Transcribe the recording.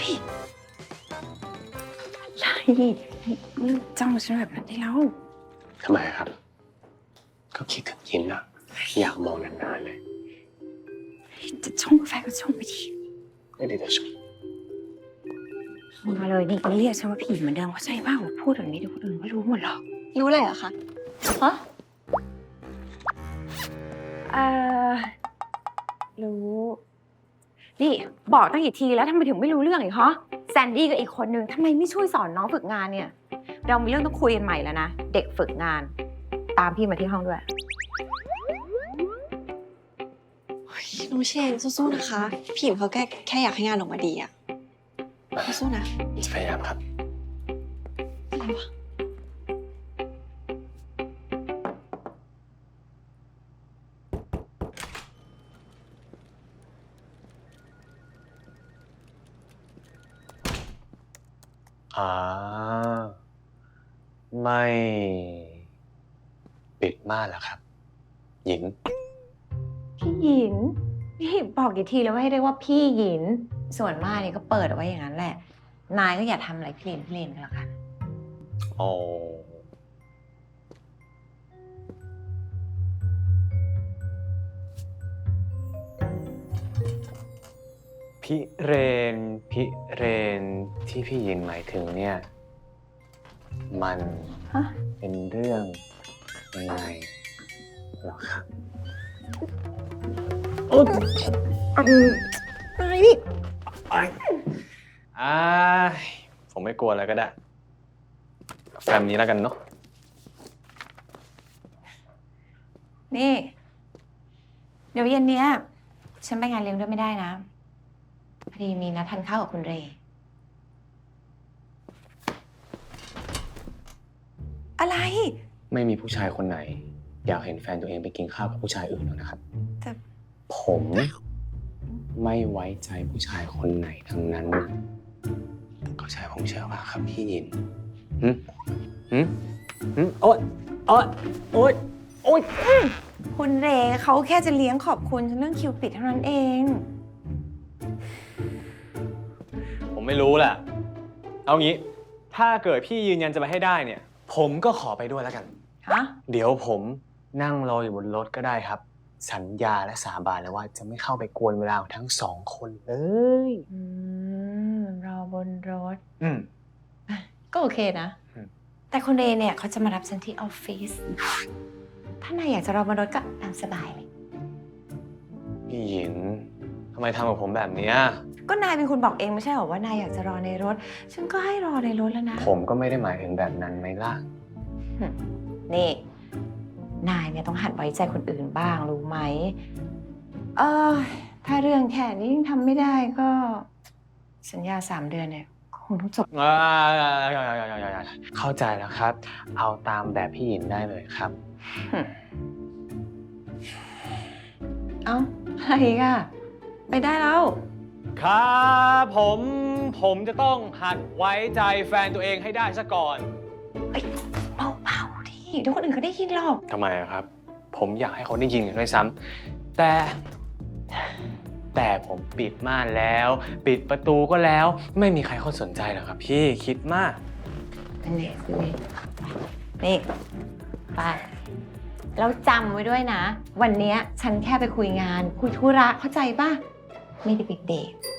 ยอะไรมึงจ้องฉันแบบนั้นได้แล้วทำไมครับ ก็คิดถึงยินนะอยากมองนานๆเลยจะชงกาแฟก็ชงไปทีไม่ได้จะชมมาเลยนี่เรียกฉันว่าผีเหมือนเดิมเข้าใจป่าวพูดแบบนี้เดี๋ยวคนอื่นก็รู้หมดหรอกรู้เลยเหรอคะฮะรู้ นี่บอกตั้งกี่ทีแล้วทำไมถึงไม่รู้เรื่องอีกฮะแซนดี้กับอีกคนนึงทำไมไม่ช่วยสอนน้องฝึกงานเนี่ย เรามีเรื่องต้องคุยกันใหม่แล้วนะ เด็กฝึกงาน ตามพี่มาที่ห้องด้วยน้องเชนสู้ๆนะคะ พี่หญิงเขาแค่อยากให้งานออกมาดีอะสู้ๆนะจะพยายามครับอะไรวะไม่ปิดม่านเหรอครับ หญิงพี่หยินนี่บอกกี่ทีแล้วว่าให้เรียกว่าพี่หยิน ส่วนมากเนี่ยก็เปิดเอาไว้อย่างนั้นแหละ นายก็อย่าทำอะไรพี่เลนก็แล้วกันอ๋อ พิเรนที่พี่ยินหมายถึงเนี่ย มันฮะเป็นเรื่องยังไงเหรอครับนายนี่ผมไม่กลัวแล้วก็ได้แฟมนี้แล้วกันเนาะนี่ เดี๋ยวเย็นเนี้ยฉันไปงานเลี้ยงด้วยไม่ได้นะพอดีมีนัดทานข้าวกับคุณเรย์อะไรไม่มีผู้ชายคนไหน อยากเห็นแฟนตัวเองไปกินข้าวกับผู้ชายอื่นแล้วนะครับแต่ผมไม่ไว้ใจผู้ชายคนไหนทั้งนั้นนะเข้าใจผมเชื่อป่ะครับพี่ยินโอ๊ยโอ๊ยโอ๊ยโอ๊ยคุณเรย์เขาแค่จะเลี้ยงขอบคุณเรื่องคิวปิดเท่านั้นเองผมไม่รู้แหละ เอางี้ ถ้าเกิดพี่ยืนยันจะไปให้ได้เนี่ย ผมก็ขอไปด้วยแล้วกันฮะเดี๋ยวผมนั่งรออยู่บนรถก็ได้ครับ สัญญาและสาบานเลยว่าจะไม่เข้าไปกวนเวลาของทั้งสองคนเลยรอบนรถอืมก็โอเคนะอืมแต่คุณเรย์เนี่ยเขาจะมารับฉันที่ออฟฟิศ ถ้านายอยากจะรอบนรถก็ตามสบายเลยพี่หยินทำไมทำกับผมแบบเนี้ยก็นายเป็นคนบอกเองไม่ใช่เหรอว่านายอยากจะรอในรถ ฉันก็ให้รอในรถแล้วนะผมก็ไม่ได้หมายถึงแบบนั้นไหมล่ะนี่ นายเนี่ยต้องหัดไว้ใจคนอื่นบ้างรู้ไหม ถ้าเรื่องแค่นี้ยังทำไม่ได้ก็ สัญญา3 เดือนเนี่ยคงต้องจบเข้าใจแล้วครับ เอาตามแบบพี่หยินได้เลยครับเอ้าอะไรอีกอะไปได้แล้วครับผมจะต้องหัดไว้ใจแฟนตัวเองให้ได้ซะก่อนเบาๆดิเดี๋ยวคนอื่นเขาได้ยินหรอกทำไมอะครับ ผมอยากให้เขาได้ยินกันด้วยซ้ำแต่ผมปิดม่านแล้ว ปิดประตูก็แล้ว ไม่มีใครเขาสนใจหรอกครับพี่คิดมากนี่นี่ไปแล้วจำไว้ด้วยนะ วันเนี้ยฉันแค่ไปคุยงาน คุยธุระเข้าใจป่ะ ไม่ได้ไปเดท